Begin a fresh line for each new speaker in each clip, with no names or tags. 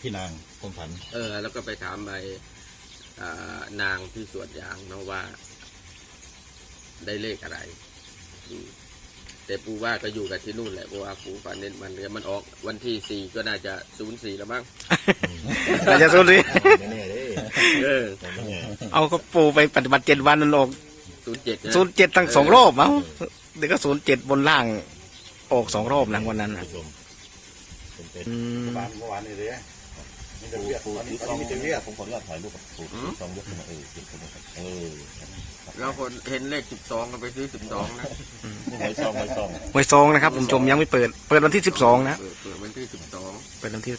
พี่นางคมผัน
แล้วก็ไปถามไปนางที่สวนยางเนาะว่าได้เลขอะไรแต่ปูว่าก็อยู่กับที่นู่นแหละเพราะว่าปูฝันเน้นมันออกวันที่4ก็น่าจะ04แล้วมั้ง
น่าจะ04
ไม่แน่เลย
เอาก็ปูไปปฏิบัติ7 วันนั่นออก07ทั้ง2 รอบมั้งเดี๋ยวก็07บนล่างออก2 รอบนะวันนั้นนะ
บ้านเมื่อวานนี่เลยมีแต่เรียกมีแต่เรียกผมขออนุญาตถ่ายรูปกับปู2ยกขึ้นมา
เราคนเห็นเลข12ก็ไปซื้อ12นะ
หวยซ
องนะครับผมชมยังไม่เปิดวันที่12นะ
เปิดวันที่12
เปิดวันที่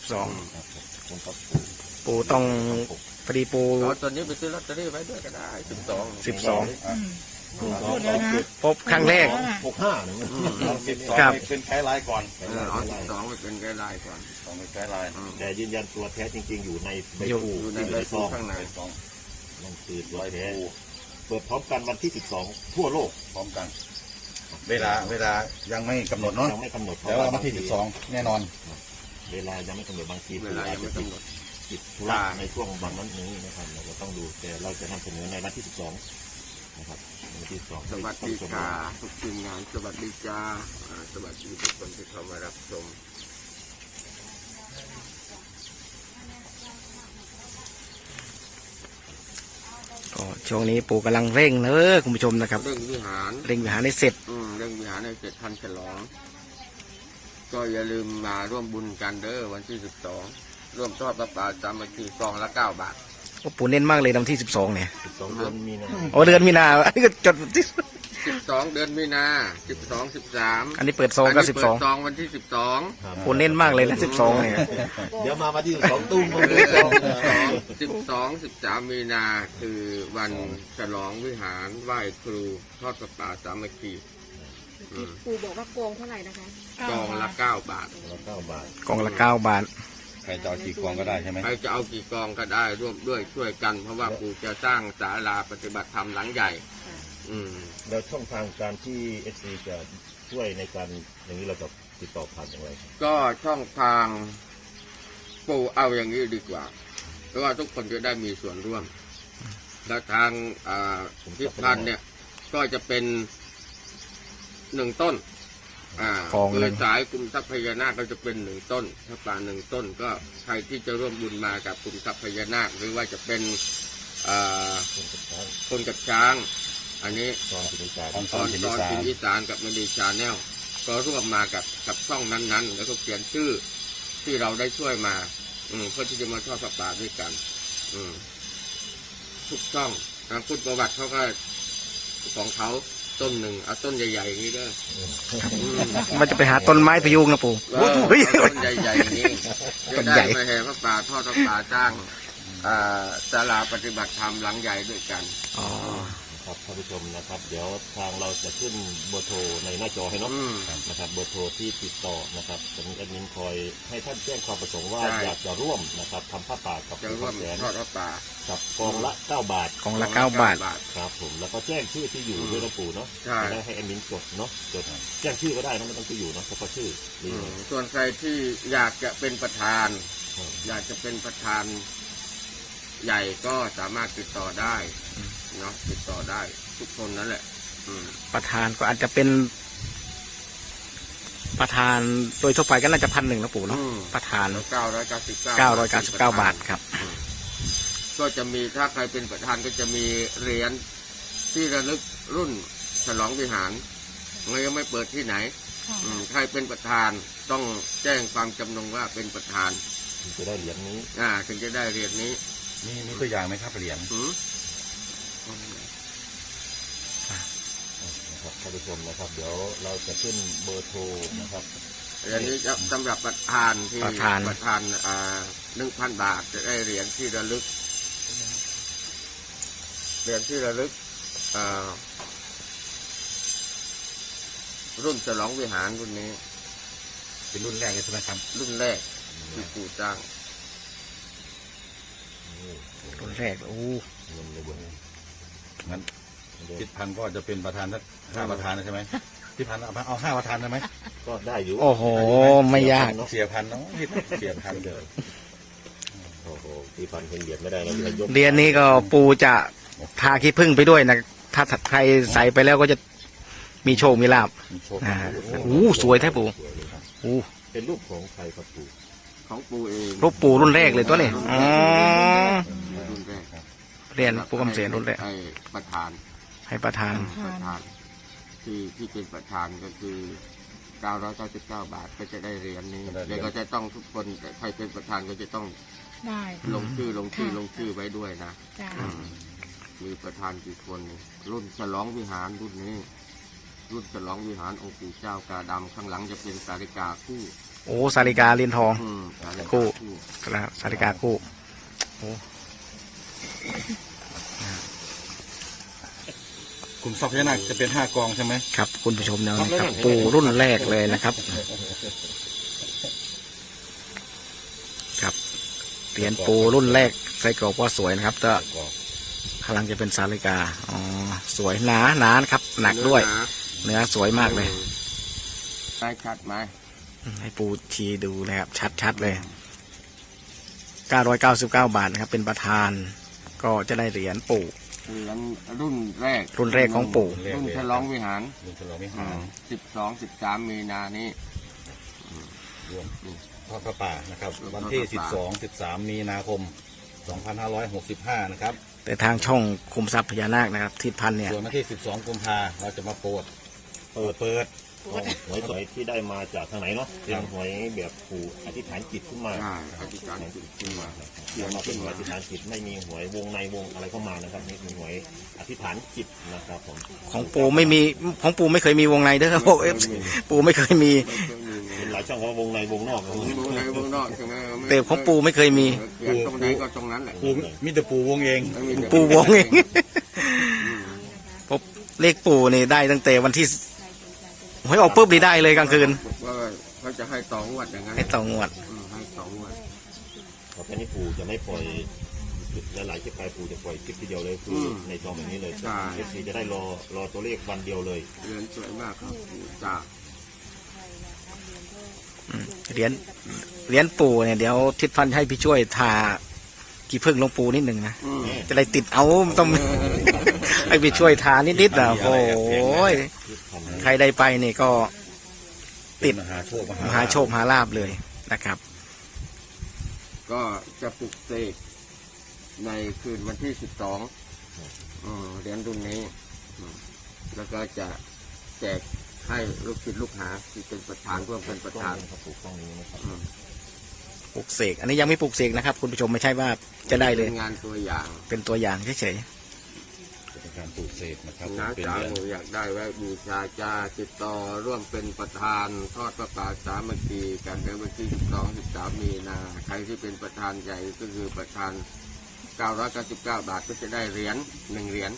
12ปูต้องพอดีปู
ตอนนี้ไปซื้อลอตเตอรี่ไว้ด้วยก็ได้
พบครั้งแรก
65เนี่ยเป็นไกด์ไลน์ก่อน
12เป็นไกด์ไลน์ก่อน
เป็นไกด์ไลน์แต่ยืนยันตัวแท้จริงๆอยู่ในใบปู
อยู่ในใบปูข้างใน
นั่นคือตัวแท้เปิดพร้อมกันวันที่12ทั่วโลกพร้อมกันเวลายังไม่กำหนดเนาะ
ยังไม่กำหนด
แต่ว่าวันที่12แน่นอน
เวลายังไม่กำหนดบางที
เวลายังไม่กำหนด
ติดธุระในช่วงวันนั้นนี้นะครับเราก็ต้องดูแต่เราจะนำเสนอในวันที่12นะครับวันที่12
สวัสดีค่ะทุกทีมงานสวัสดีจ้าสวัสดีทุกคนที่เข้ามารับชม
ช่วงนี้ปู่กำลังเร่งเลยคุณผู้ชมนะครับ
เร่งวิหาร
ให้เสร็จ
เร่งวิหารให้เสร็จทันฉลองก็อย่าลืมมาร่วมบุญกันเด้อวันที่12ร่วมทอดพระป่าสามัคคีซองละ9 บาท
ปู่เน้นมากเลยวันที่12เนี่ย
12เดือนมีนา
เดือนมีนาอันนี้ก็จดที่
12เดือนมีนา12 13
อันนี้เปิดซองก็12
ซองวันที่12
ปู่เน้นมากเลยนะ12เนี่ย
เดี๋ยวมาวันที่12ตุ้ม
13มีนาคือวันฉลองวิหารไหว้ครูทอดพระป่าสามัคคี
ปู่บอกว่าโกงเท่าไหร่นะคะ
กองละ9 บาท
กองละ9 บาท
ใครจะเอากี่กองก็ได้ใช่ไหม
ใครจะเอากี่กองก็ได้ร่วมด้วยช่วยกันเพราะว่าปู่จะสร้างศาลาปฏิบัติธรรมหลังใหญ่
แล้วช่องทางการที่SCจะช่วยในการอย่างนี้เราจะติดต่อผ่านอย่างไร
ก็ช่องทางปู่เอาอย่างนี้ดีกว่าเพราะว่าทุกคนจะได้มีส่วนร่วมและทางพิพิธภัณฑ์เนี่ยก็จะเป็น1 ต้นเลยสายกลุ่มทรัพย์พญานาคก็จะเป็น1 ต้นถ้าป่า1 ต้นก็ใครที่จะร่วมบุญมากับกลุ่มทรัพย์พญานาคหรือว่าจะเป็นคนกับช้างอันนี้ตอนกินอีสานกับมณีชาแนลก็ร่วมมากับช่องนั้นๆแล้วก็เขียนชื่อที่เราได้ช่วยมาเพื่อที่จะมาทอดพระป่าด้วยกันทุกช่องพูดประวัติเขาก็ของเขาต้นหนึ่งเอาต้นใหญ่ๆอย่างนี้ด้วย
มันจะไปหาต้นไม้พยุงนะปู่
ต้นใหญ่ๆอย่างนี้จะได้มาแห่พระป่าทอดพระป่าสร้างศาลาปฏิบัติธรรมหลังใหญ่ด้วยกัน
ครับท่านผู้ชมนะครับเดี๋ยวทางเราจะขึ้นเบอร์โทรในหน้าจอให้เนาะนะครับเบอร์โทรที่ติดต่อนะครับจะมีแอดมินคอยให้ท่านแจ้งความประสงค์ว่าอยากจะร่วมนะครับทำผ้าป่ากับ
จะร่วมทอดพระป่า
กับกองละ9 บาท
กองละ9 บาท
ครับผมแล้วก็แจ้งชื่อที่อยู่ด้วยนะปู่เนาะจะได้ให้แอดมินจดเนาะจดแจ้งชื่อก็ได้นะไม่ต้องที่อยู่เนาะเฉพาะชื่อ
ส่วนใครที่อยากจะเป็นประธานอยากจะเป็นประธานใหญ่ก็สามารถติดต่อได้เนาะติดต่อได้ทุกคนนั่นแหละ
ประธานก็อาจจะเป็นประธานโดยทั่วไปก็น่าจะ1,000นะปู่เนาะประธาน999 บาทครับ
ก็จะมีถ้าใครเป็นประธานก็จะมีเหรียญที่ระลึกรุ่นฉลองวิหารมันยังไม่เปิดที่ไหนใครเป็นประธานต้องแจ้งความจำนงว่าเป็นประธาน
ถึงจะได้เหรียญนี้
ถึงจะได้เหรียญนี้
มีตัวอย่างไหมครับเหรียญท่านผู้ชมนะครับเดี๋ยวเราจะขึ้นเบอร์โทรนะครับ
อันนี้จะสำหรับประธานที่ประธาน1,000 บาทจะได้เหรียญที่ระลึกรุ่นฉลองวิหารรุ่นนี้
เป็นรุ่นแรกใช่ไหมครับ
รุ่นแรกที่ปู่จ้าง
รุ่นแรก
งั้นพิพิธภัณฑ์ก็จะเป็นประธานสัก5 ประธานใช่ไหมพิพิธภัณฑ์เอา5 ประธานได้ไหมก็ได้อยู่
โอ้โหไม่ยาก
เสียพันเนาะเสียพันเดียวโอ้โหที่ฟันเห็นเหรียญไม่ได้แล้วจะยก
เหรียญนี้ก็ปูจะทาขี้ผึ้งไปด้วยนะถ้าใครใส่ไปแล้วก็จะมีโชคมีลาภ
มีโชค
โอ้สวยแท้ปู่โอ้
เป็นรูปของใครครับปู่
ของปูเอง
รูปปู่รุ่นแรกเลยตัวนี้อ๋อ
รุ่นแรก
เหรียญปู่คำเสนรุ่นแรก
ให้ประธาน
ให้ประธาน
ประธานที่เป็นประธานก็คือ999 บาทก็จะได้เหรียญนี้เดี๋ยวก็จะต้องทุกคนแต่ใครเป็นประธานก็จะต้อง
ได้
ลงชื่อไว้ด้วยนะ
จ้า
มีประธานกี่คนรุ่นฉลองวิหารรุ่นนี้ รุ่นฉลองวิหารองค์ปู่เจ้ากาดำข้างหลังจะเป็นสาริกาคู่
โอ้สาริกาเหรียญทอง
สาริกา
คู่ ครับสาริกาคู่
ขุมทรัพย์พญานาคจะเป็น5 กองใช่ไหม
ครับคุณผู้ชมนะครับปู่รุ่นแรกเลยนะครับ ครับเหรียญปู่รุ่นแรกใส่กรอบว่าสวยนะครับแต่ข้างหลังจะเป็นสาริกาอ๋อสวยหนานะครับ หนักด้วย เนื้อสวยมากเลย
ได้ชัดไหม
ให้ปูชี้ดูนะครับชัดๆเลย 999 บาทนะครับ เป็นประธาน ก็จะได้เหรียญปู่
เหรียญรุ่นแรก
รุ่นแรกของปู่
รุ่นฉลองวิหาร
ลุงฉลองวิหาร
12-13 มีนานี้
รวมทอดพระป่านะครับ วันที่ 12-13 มีนาคม 2565 นะครับ
แต่ทางช่องคุมทรัพย์พญานาคนะครับทิศพันธ์เนี่ย
ส่วนวันที่ 12 กุมภาเราจะมาโปรดเปิด
หวยสวยที่ได้มาจากทางไหนเนาะเป็นหวยแบบปู่อธิษฐานจิตขึ้นมา
ใช่อธิษฐานจิตขึ้นมา
เขียนมาเป็นหวยอธิษฐานจิตไม่มีหวยวงในวงอะไรเข้ามานะครับนี่เป็นหวยอธิษฐานจิตนะครับผม
ของปู่ไม่มีของปู่ไม่เคยมีวงในเด้อครับผมปู่ไม่เคยมี
เห็นหลายช่องว่าวงในวงนอกนะ
วงในวงนอกใช่ไหม
แต่ของปู่ไม่เคยมี
เขียนตรงไหนก็ตรงนั้นแหละ
ปูมิตรปูวงเอง
ไม่มีแต่
ปู่วงเองผมเลขปู่นี่ได้ตั้งแต่วันที่หวยออกปุ๊บนี่ได้เลยกลางคืน
ว่าเขาจะให้ต่องวดอย่างนั้น
ให้ต่องวด
ให้ต่องวด
เพราะแค่นี้ปู่จะไม่ปล่อยหลายๆคลิปไปปู่จะปล่อยคลิปทีเดียวเลยคือในซองแบบนี้เลยเอฟซีจะได้รอตัวเลขวันเดียวเลย
เหรียญสวยมากครับจ้า
เหรียญปู่เนี่ยเดี๋ยวทิศพันธ์ให้พี่ช่วยทากี่พึ่งลงปูนิดหนึ่งนะจะได้ติดเอาต้อง ให้พี่ช่วยทานิดๆนะโอ้ยใครได้ไปนี่ก็ ติด
มหาโชค
มหาโชคมหาลาภเลยนะครับ
ก็จะปลุกเสกในคืนวันที่ 12เหรียญรุ่นนี้แล้วก็จะแจกให้ลูกศิษย์ลูกหาที่เป็นประธานร่วมเป็นประธาน
ครับปู่กล้องนี้นะครับ
ปลูกเสกอันนี้ยังไม่ปลูกเสกนะครับ คุณผู้ชมไม่ใช่ว่าจะได้เลย
เป็นงานตัวอย่าง
เป็นตัวอย่างเฉย
เป็นการปลูกเสกนะครับ
น้า
เป็น
จ๋า
เหรียญ
หนูอยากได้ไว้บูชาจ้าติดต่อร่วมเป็นประธานทอดประปาสามัคคีกันในวันที่ 12-13 มีนาใครที่เป็นประธานใหญ่ก็คือประธาน 999 บาทก็จะได้เหรียญ1 เหรียญ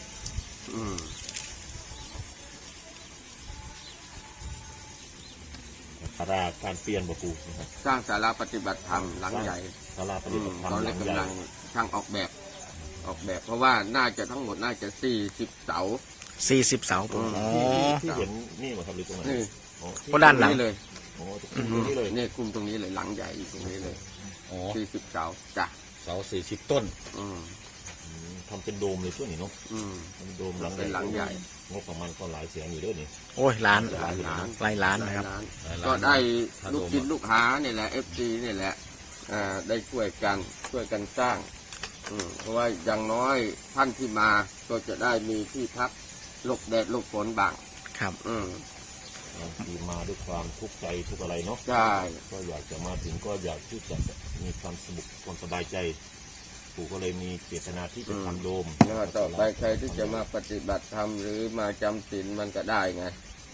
สาราการเปลี่ยนบ่ปู่นะครับ
สร้างศาลาปฏิบัติธรรมหลังใหญ่
สาราปฏิบัติธรรม
ตอน
ห
นี้
ลังใหญ่
กำลังช่างออกแบบ เพราะว่าน่าจะทั้งหมดน่าจะ40 เสา
ๆ40 เสาปู่อ๋อ
ที่เห็นนี่เหรอครับหรือตรงไหน
นี่
อ๋อ
ก็ด้านหลัง
นี่เลย
โอ้ตรงนี้เลย
นี่คุมตรงนี้เลยหลังใหญ่อยู่ตรงนี้เลย
อ๋อ
40 เสาจ้ะ
เสา40 ต้น
อืม
ทำเป็นโดมเลยช่วงนี้เนาะ
อืม
เป็นโดมหลัง
เป็นหลังใหญ่
งบประมาณก็หลายแสนอยู่เด้วยนี่
โอ้ยล้าน
หลายล้าน
หลายล้านนะครับ
ก็ได้ลูกศิษย์ลูกหาเนี่ยแหละ FC เนี่ยแหละได้ช่วยกันสร้างเพราะว่าอย่างน้อยท่านที่มาก็จะได้มีที่พักหลบแดดหลบฝนบ้าง
ครับ
ที่มาด้วยความทุกข์ใจทุกอะไรเนาะ
ใช่
ก็อยากจะมาถึงก็อยากที่จะมีความสนุกความสบายใจปู่ก็เลยมีเจตนาที่จะทำโดม
แล้วก็ต่อไปใครที่จะมาปฏิบัติธรรมหรือมาจำศีลมันก็ได้ไง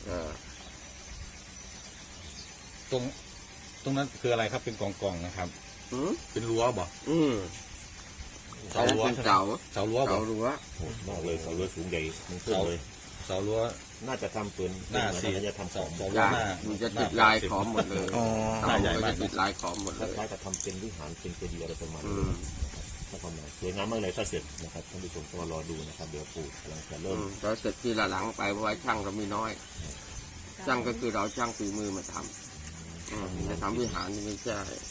ตรงนั้นคืออะไรครับเป็นกองๆนะครับ
อืม
เป็นรั้วบ่
อืม
เสารั้ว
เป็นเสา
เสารั้วบ่
เสารั้ว
โหดมากเลยเสาเรือสูงใหญ่มันขึ้นเลย
เสารั้ว
น่าจะทำปืน
หน้า
น่า
สี่
จะทำสอง
เสา
จ้ะ
หน้า
มันจะติดลายขอมหมดเลย
อ๋อ
เสามันจะติดลายขอมหมด
ค
เลย
ล้ายๆกับทำเป็นวิหารเป็นเจดีย์อะไรประมาณ
อื
นี้
ม
ถ้าประมาณสวยงามมากเลยถ้าเสร็จนะครับท่านผู้ชมก็รอดูนะครับเดี๋ยวปู่กำลังจะเริ่ม
แล้วเสร็จทีละหลังไปเพราะว่าช่างเรามีน้อย ช่างก็คือเราช่างฝีมือมาทำจะทำวิหารนี่ไม่ใช่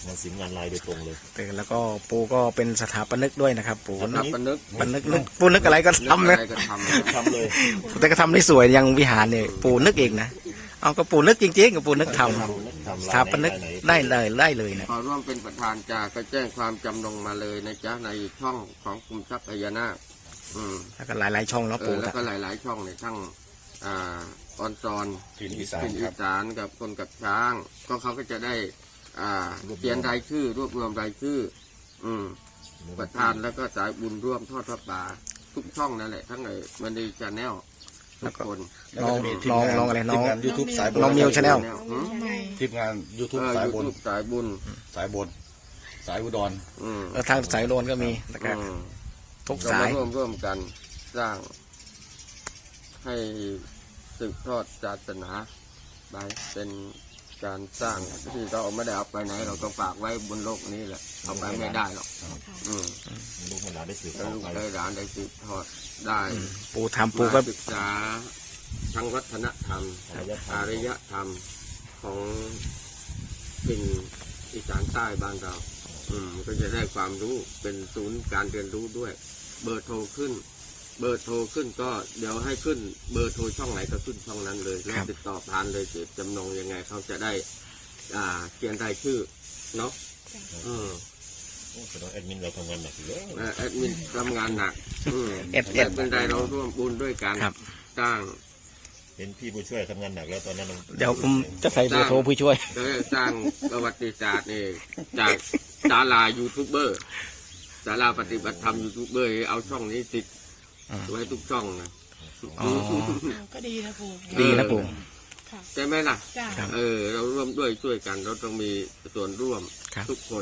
งานศิลป์งานลายโดยตรงเลย
แต่แล้วก็ปู่ก็เป็นสถาปนิกด้วยนะครับปู่
นับปนึก
นึกปู่นึกอะไรก็ทำ
นึ
นะ
กอะไรก็ทำ
ทำเลย
แต่ก็ทำได้สวยอย่างวิหารเนี่ยปู่นึกเองนะเอาก็ปู่นึกจริงๆกับปู่นึกทำสถาปนิกได้เลยนะ
ขอร่วมเป็นประธานก็แจ้งความจำนงมาเลยนะจ๊ะในช่องของกลุ่มทรัพย์พญานาค
แล้วก็หลายๆช่องแล้วปู่
แล้วก็หลายๆช่องในทั้งออนซอน
ถิ่นอีสาน
ถิ่น
ค
อี
รับ
สานกับคนกับช้างก็เขาก็จะได้เขียนรายชื่อรวบรวมรายชื่อ ประธานแล้วก็สายบุญร่วมทอดพระป่าทุกช่องนั่นแหละทั้งไอ้มันดีชาแนลทุกคน
แล้วก็จะมีทีม
น้องอะไรน้อง
ทีมงาน YouTube สายบน
น้องมิว Channel
ทีมงาน YouTube สายบน
YouTube สายบุญ
สายบน สายอุดร
แล้วทางสายโลนก็มีนะครับ ทุก
ก็
สาม
าย ร่วมกันสร้างให้สืบทอดศาสนาไปเป็นการสร้างที่เราไม่ได้เอาไปไหน เราก็ฝากไว้บนโลกนี้แหละเอาไปไม่ได้หรอก
ลูกหลานได้สืบ
แล้
ต่
ว
อ
ลูก
ไป
ได้หลานได้สืบทอดได้
ปู่ทำปู่ก็
มาศึกษาทั้งวัฒนธรรมอารยธรรมของเป็นอีสานใต้บ้านเราก็จะได้ความรู้เป็นศูนย์การเรียนรู้ด้วย เบอร์โทรขึ้นก็เดี๋ยวให้ขึ้นเบอร์โทรช่องไหนก็ขึ้นช่องนั้นเลยแล้วติดต่อผ่านเลยเจ็บจำนงยังไงเขาจะได้เขียนรายชื่อเนาะ
แสดงแอดมินเราทำงานหนักอยู่แล้ว
แอดมินทำงานหนัก
เอส
เป็นไรเราร่วมบุญด้วยกัน
ครับ
สร้าง
เห็นพี่ผู้ช่วยทำงานหนักแล้วตอนนั้น
เดี๋ยวผมจะใส่เบอร์โทรผู้ช่วย
ก็สร้างประวัติศาสตร์นี่จากศาลายูทูบเบอร์ศาลาปฏิบัติธรรมยูทูบเบอร์เอาช่องนี้ติดไว้ทุกช่องนะ
อ๋อ
ก็ดีนะปู่
ดีนะปู่
ค่ะ
ใช่ไหมล่ะ
จ้า
ครับ
เราร่วมด้วยช่วยกันเราต้องมีส่วนร่วม
ครับ
ทุกคน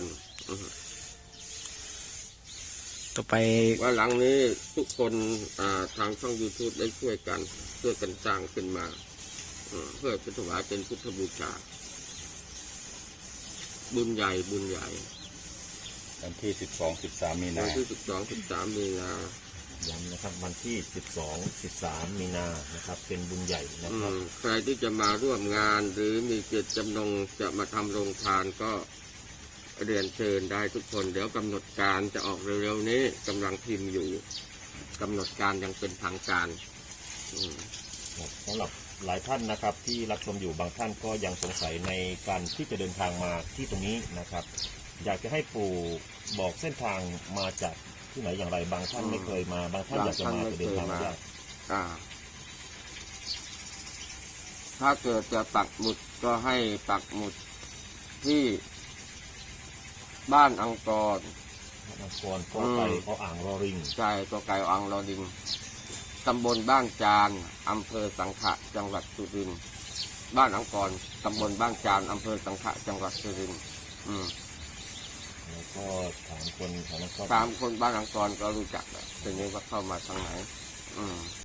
ต่อไป
ว่าหลังนี้ทุกคนทางช่อง YouTube ได้ช่วยกันสร้างขึ้นมาเพื่อเป็นถวายเป็นพุทธบูชาบุญใหญ่
วันที่ 12-13 มี
วั
นา
นที่12-13 มีนา
ย้ำนะครับวันที่ 12-13 มีนานะครับเป็นบุญใหญ่นะครับ
ใครที่จะมาร่วมงานหรือมีเจตจำนงจะมาทำโรงทานก็เรียนเชิญได้ทุกคน เดี๋ยวกำหนดการจะออกเร็วๆนี้กำลังพิมพ์อยู่กำหนดการยังเป็นทางการ
สำหรับหลายท่านนะครับที่รับชมอยู่บางท่านก็ยังสงสัยในการที่จะเดินทางมาที่ตรงนี้นะครับ อยากจะให้ปู่บอกเส้นทางมาจากที่ไหนอย่างไรบางท่านไม่เคยมาบางท่านอยากจะมาแต่เดินทางไม่ได้
ถ้าเกิดจะปักหมุดก็ให้ปักหมุดที่บ้านอังกอร
นครก็ไปก็อ่างรอริง
ใจก็ไก่อังรอดิงตำบลบ้านจานอำเภอสังขะจังหวัดสุรินทร์บ้านอังกอรตำบลบ้านจานอำเภอสังขะจังหวัดสุรินทร์
แล้วก็ถามคนแถวนั้นก็
ตามคนบ้านอังกอรก็รู้จักแหละทีนี้ว่าเข้ามาทางไหน